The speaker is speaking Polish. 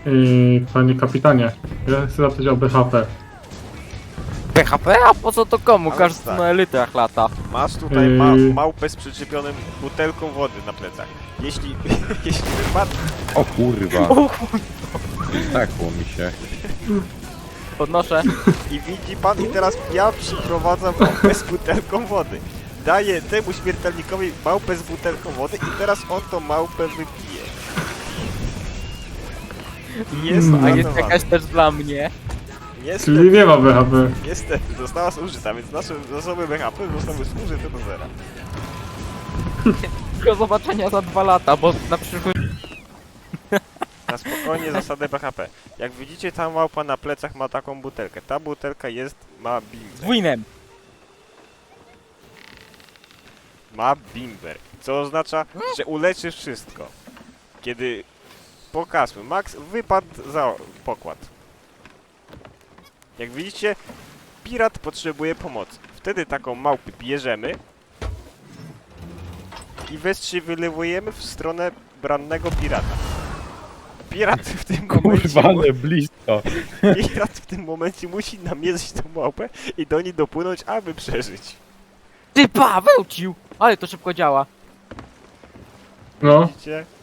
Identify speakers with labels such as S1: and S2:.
S1: Panie kapitanie, ja chcę zapytać o BHP.
S2: PHP? A po co to komu?
S3: Ale
S2: Każdy
S3: tak.
S2: na elitach lata.
S3: Masz tutaj
S1: Yy.
S3: małpę z przyczepionym butelką wody na plecach. Jeśli wypadł...
S4: O kurwa. Takło mi się.
S2: Podnoszę.
S3: I widzi pan, i teraz ja przyprowadzam małpę z butelką wody. Daję temu śmiertelnikowi małpę z butelką wody i teraz on tą małpę wypije. I jest
S2: A jest
S3: uratowany.
S2: jakaś też dla mnie.
S1: Czyli
S3: Niestety,
S1: nie ma BHP.
S3: niestety, została zużyta, więc nasze zasoby BHP zostały zużyte do zera.
S2: Do zobaczenia za 2 lata, bo na przyszłość...
S3: Na spokojnie zasadę BHP. Jak widzicie, ta małpa na plecach ma taką butelkę. Ta butelka ma bimber.
S2: Z winem.
S3: Ma bimber. Co oznacza, że uleczy wszystko. Kiedy pokażmy, Max wypadł za pokład. Jak widzicie, pirat potrzebuje pomocy. Wtedy taką małpę bierzemy i wylewujemy w stronę brannego pirata. Pirat w tym momencie...
S4: Kurwa, ale blisko.
S3: Pirat w tym momencie musi namierzyć tą małpę i do niej dopłynąć, aby przeżyć.
S2: Ty Paweł cił! Ale to szybko działa.
S1: No,
S3: Widzicie?